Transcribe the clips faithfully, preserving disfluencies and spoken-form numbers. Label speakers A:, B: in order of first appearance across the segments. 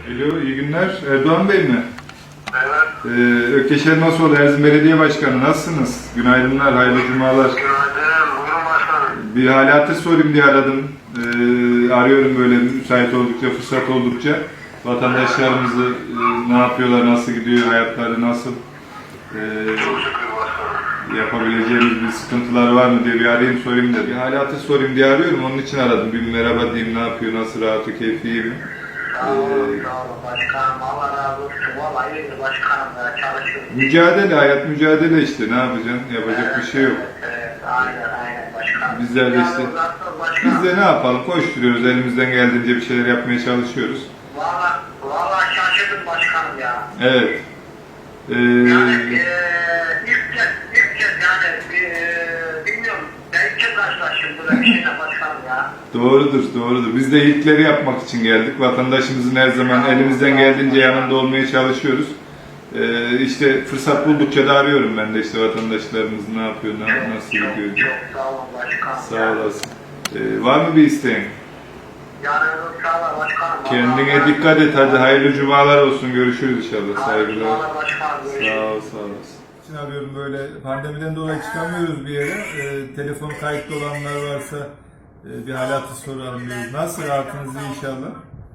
A: Alo, iyi günler. Erdoğan Bey mi?
B: Evet.
A: Ee, Ökkeş Elmasoğlu, Erzin Belediye Başkanı. Nasılsınız? Günaydınlar, hayırlı cumalar.
B: Günaydın. Buyurun başkanım.
A: Bir hali hatır sorayım diye aradım. Ee, arıyorum böyle müsait oldukça, fırsat oldukça. Vatandaşlarımızı e, ne yapıyorlar, nasıl gidiyor, hayatları nasıl? Ee,
B: Çok şükür başkanım.
A: yapabileceğimiz bir sıkıntılar var mı diye bir arayayım sorayım da. Bir hali hatır sorayım diye arıyorum. Onun için aradım. Bir merhaba diyeyim, ne yapıyor, nasıl, rahatı, keyfi iyi mi?
B: Sağ olun, sağ olun başkanım. Allah razı olsun. Vallahi iyidir başkanım ya. Çalışıyoruz.
A: Mücadele, hayat mücadele işte. Ne yapacaksın? Yapacak bir şey yok.
B: Evet, evet. Aynen, aynen başkanım.
A: Bizler de işte, biz de ne yapalım? Koşturuyoruz, elimizden geldiğince bir şeyler yapmaya çalışıyoruz.
B: Valla, valla şaşırdım başkanım ya.
A: Evet. Ee,
B: Yani eee ilk kez, ilk kez yani eee bilmiyorum. Ben ilk kez karşılaştım böyle bir şeyle başkanım ya.
A: doğrudur, doğrudur. Biz de ilkleri yapmak için geldik. Vatandaşımızın her zaman elimizden geldiğince yanında olmaya çalışıyoruz. Ee, işte fırsat buldukça da arıyorum ben de işte vatandaşlarımız ne yapıyor, ne, nasıl gidiyor diye.
B: Çok sağ olun başkanım.
A: Sağ olasın. Ee, var mı bir isteğin?
B: Yani sağ olun başkanım.
A: Kendine dikkat et. Hadi hayırlı cumalar olsun. Görüşürüz inşallah. Saygılar.
B: Sağ olun başkanım.
A: Sağ ol, sağ olasın. İçin arıyorum böyle pandemiden dolayı çıkamıyoruz bir yere. Ee, telefon kayıtlı olanlar varsa e, bir halatı soralım diyoruz. Nasıl, rahatınız iyi inşallah?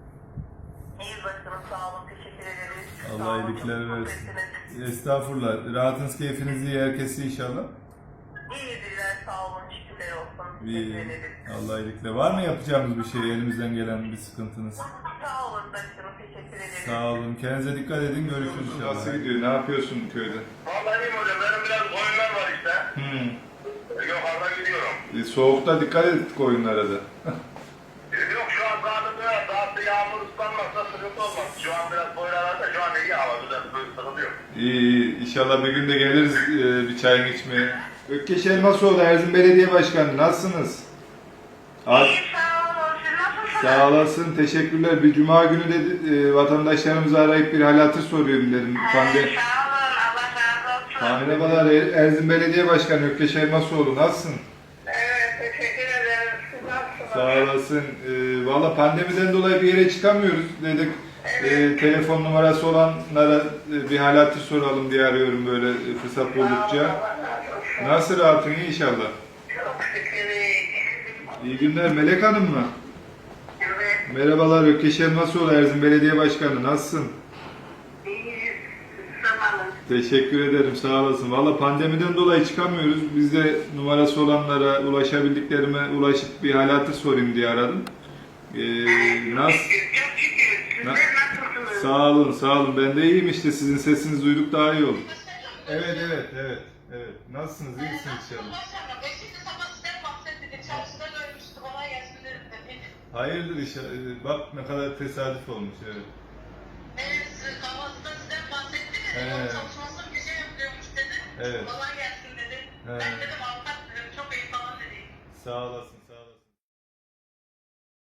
C: İyi başkanım, sağ olun, teşekkür ederiz.
A: Allah
C: Sağ olun,
A: iyilikler
C: çok
A: versin.
C: mutluyum.
A: Estağfurullah. Rahatınız, keyfiniz iyi, herkes iyi inşallah.
C: İyidirler, sağ olun, şükürler olsun.
A: İyi.
C: Teşekkür ederiz.
A: Allah iyilikler. Var mı yapacağımız bir şey, elimizden gelen bir sıkıntınız?
C: Sağ olun başkanım, teşekkür ederiz.
A: Sağ olun. Kendinize dikkat edin. Görüşürüz inşallah. Nasıl gidiyor? Ne yapıyorsun köyde?
B: Vallahi iyiyim hocam. Benim biraz oyunlar var işte.
A: Hmm.
B: Yukarıda gidiyorum.
A: E, soğukta dikkat et oyunlara da.
B: Yok şu an zaten biraz daha bir yağmur ıslanmazsa sıkıntı olmaz. Şu an biraz boylarlarda şu an iyi hava güzel bir sıkıntı yok.
A: İyi, iyi. İnşallah bir gün de geliriz e, bir çayını içmeye. Ökkeş Elmasoğlu, Erzin Belediye Başkanı. Nasılsınız? Az,
C: İyi, sağ olun, siz nasılsınız?
A: sağ olasın, teşekkürler. Bir cuma günü de e, vatandaşlarımızı arayıp bir hal hatır soruyorum dedim. Pande
C: Ee, sağ olun, Allah razı olsun.
A: Merhabalar, Er- Erzin Belediye Başkanı Ökkeş Elmasoğlu. Nasılsın?
C: Evet, teşekkür ederim. Siz nasılsınız?
A: Sağ olasın. E, Valla pandemiden dolayı bir yere çıkamıyoruz. Dedik e, telefon numarası olanlara e, bir hal hatır soralım diye arıyorum böyle e, fırsat buldukça.
C: Allah razı olsun.
A: Nasıl, rahatın iyi inşallah?
C: Çok şükür iyi.
A: İyi günler. Melek Hanım mı?
C: Evet,
A: Merhabalar, Ökkeş Elmasoğlu, Erzin Belediye Başkanı. Nasılsın?
C: iyiyiz. Sağ olun.
A: Teşekkür ederim, sağ olasın. Valla pandemiden dolayı çıkamıyoruz. Biz de numarası olanlara, ulaşabildiklerime ulaşıp bir hal hatır sorayım diye aradım. Ee, nasıl?
C: Çok şükür. Sizler
A: Na-
C: nasılsınız?
A: Sağ olun, sağ olun. Ben de iyiyim işte. Sizin sesinizi duyduk daha iyi oldu. Evet, evet, evet. Evet. Nasılsınız? İyisiniz inşallah. Hayırdır inşallah. Ee, Bak ne kadar tesadüf olmuş, evet.
C: Evet, kahvaltıda sizden bahsettiniz.
A: Evet.
C: Çalışmasını bir şey yapıyormuş dedi.
A: Evet.
C: Kolay